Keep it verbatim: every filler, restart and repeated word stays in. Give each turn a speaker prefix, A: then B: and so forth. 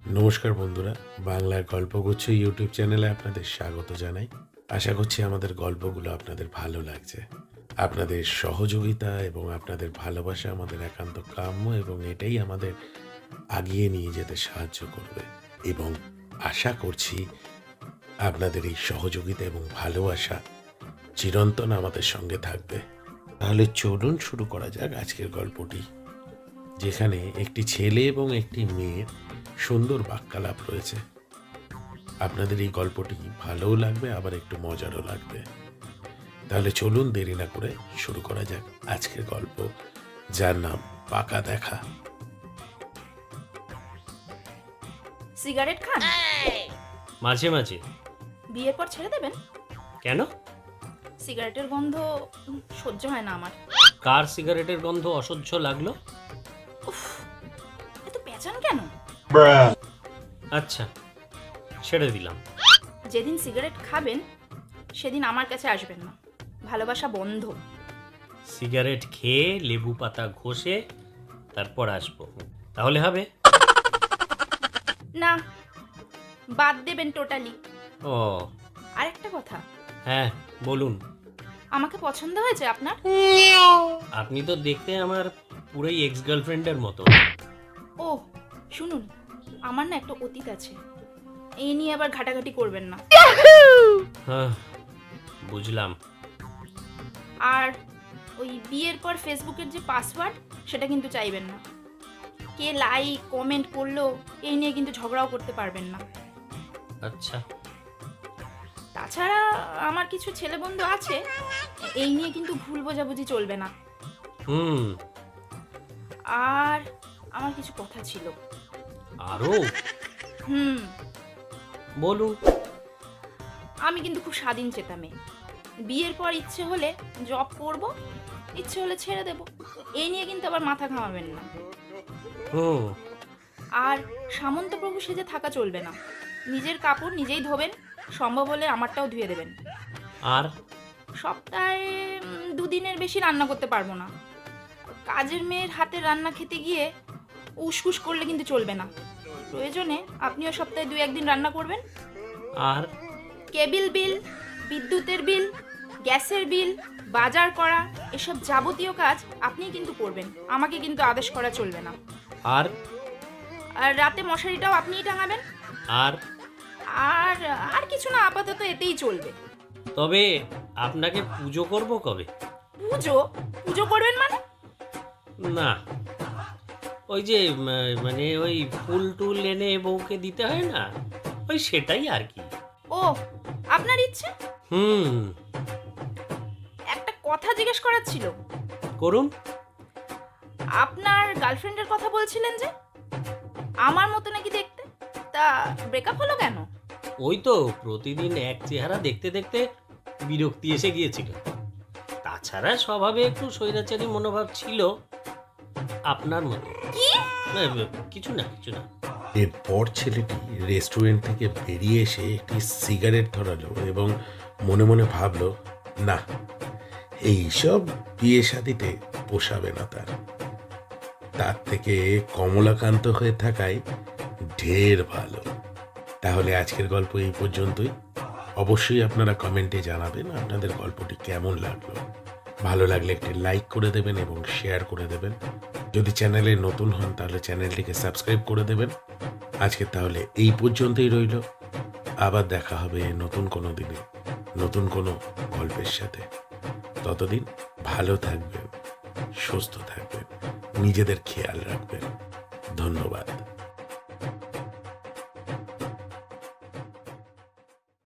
A: নমস্কার বন্ধুরা, বাংলার গল্পগুচ্ছ ইউটিউব চ্যানেলে আপনাদের স্বাগত জানাই। আশা করছি আমাদের গল্পগুলো আপনাদের ভালো লাগছে। আপনাদের সহযোগিতা এবং আপনাদের ভালোবাসা আমাদের একান্ত কাম্য এবং এটাই আমাদের আগিয়ে নিয়ে যেতে সাহায্য করবে। এবং আশা করছি আপনাদের এই সহযোগিতা এবং ভালোবাসা চিরন্তন আমাদের সঙ্গে থাকবে। তাহলে চলুন শুরু করা যাক আজকের গল্পটি, যেখানে একটি ছেলে এবং একটি মেয়ের সুন্দর বাক্যালাপ রয়েছে। আপনাদের এই গল্পটি ভালোও লাগবে, আবার একটু মজারও লাগবে। তাহলে চলুন দেরি না করে শুরু করা যাক আজকের গল্প, যার নাম পাকা দেখা।
B: সিগারেট খান?
C: মাঝে মাঝে।
B: বিয়ের পর ছেড়ে দেবেন?
C: কেন?
B: সিগারেটের গন্ধ উম, সহ্য হয় না আমার।
C: কার সিগারেটের গন্ধ অসহ্য লাগলো?
B: উফ, এত পেঁচান কেন?
C: আচ্ছা, ছেড়ে দিলাম।
B: যেদিন সিগারেট খাবেন সেদিন আমার কাছে আসবেন না, ভালোবাসা বন্ধ।
C: সিগারেট খেয়ে লেবু পাতা ঘষে তারপর আসবো, তাহলে হবে?
B: না, বাদ দেবেন টোটালি।
C: ও
B: আর একটা কথা,
C: হ্যাঁ বলুন।
B: আমাকে পছন্দ হয়েছে আপনার?
C: আপনি তো দেখতে আমার পুরোই এক্স গার্লফ্রেন্ডের মতো।
B: ও শুনুন, আমার না একটা অতীত আছে, এই নিয়ে আবার ঘাটাঘাটি করবেন না।
C: হ্যাঁ বুঝলাম।
B: আর ওই বিয়ের পর ফেসবুকের যে পাসওয়ার্ড সেটা কিন্তু চাইবেন না। কে লাইক কমেন্ট করলো এই নিয়ে কিন্তু ঝগড়াও করতে পারবেন না।
C: আচ্ছা।
B: তাছাড়া আমার কিছু ছেলে বন্ধু আছে, এই নিয়ে কিন্তু ভুল বোঝাবুঝি চলবে না।
C: হুম।
B: আর আমার কিছু কথা ছিল।
C: আরো?
B: হুম,
C: বলুন।
B: আমি কিন্তু খুব স্বাধীন চেতা মেয়ে। বিয়ের পর ইচ্ছে হলে জব করব, ইচ্ছে হলে ছেড়ে দেব, এই নিয়ে কিন্তু আবার মাথা ঘামাবেন না।
C: হুম।
B: আর সামন্ত প্রভু সেজে থাকা চলবে না, নিজের কাপড় নিজেই ধোবেন, সম্ভব হলে আমারটাও ধুয়ে দেবেন।
C: আর
B: সপ্তাহে উম, দুদিনের বেশি রান্না করতে পারবো না। কাজের মেয়ের হাতে রান্না খেতে গিয়ে উসকুস করলে কিন্তু চলবে না। প্রয়োজনে আপনিও সপ্তাহে দুই একদিন রান্না করবেন।
C: আর
B: কেবিল বিল, বিদ্যুতের বিল, গ্যাসের বিল, বাজার করা, এসব যাবতীয় কাজ আপনিই কিন্তু করবেন, আমাকে কিন্তু আদেশ করা চলবে না।
C: আর
B: আর রাতে মশারিটাও আপনিই টাঙাবেন।
C: আর
B: আর আর কিছু না, আপাতত এতেই চলবে।
C: তবে আপনাকে পুজো করব কবে?
B: পুজো? পুজো করবেন মানে?
C: না, ওই যে উম, মানে ওই ফুল টুল এনে বউকে দিতে হয় না, ওই সেটাই আর কি।
B: ও, আপনার ইচ্ছে?
C: হুম।
B: একটা কথা জিজ্ঞেস করার ছিল।
C: করুন।
B: আপনার গার্লফ্রেন্ডের কথা বলছিলেন যে, আমার মতো নাকি দেখতে, তা ব্রেকআপ হলো কেন?
C: ওই তো প্রতিদিন এক চেহারা দেখতে দেখতে বিরক্তি এসে গিয়েছিল। তাছাড়া স্বভাবে একটু স্বৈরাচারী মনোভাব ছিল, আপনার মতো।
B: কি?
C: না, কিছু না কিছু না।
A: এরপর ছেলেটি রেস্টুরেন্ট থেকে বেরিয়ে এসে একটি সিগারেট ধরালো এবং মনে মনে ভাবলো, না, এইসব বিয়ে শাদিতে পোষাবে না তার। তার থেকে কমলাকান্ত হয়ে থাকাই ঢের ভালো। তাহলে আজকের গল্প এই পর্যন্তই। অবশ্যই আপনারা কমেন্টে জানাবেন আপনাদের গল্পটি কেমন লাগলো। ভালো লাগলে একটি লাইক করে দেবেন এবং শেয়ার করে দেবেন। যদি চ্যানেলে নতুন হন তাহলে চ্যানেলটিকে সাবস্ক্রাইব করে দেবেন। আজকে তাহলে এই পর্যন্তই রইল। আবার দেখা হবে নতুন কোনো দিনে নতুন কোনো গল্পের সাথে। ততদিন ভালো থাকবেন, সুস্থ থাকবেন, নিজেদের খেয়াল রাখবেন। ধন্যবাদ।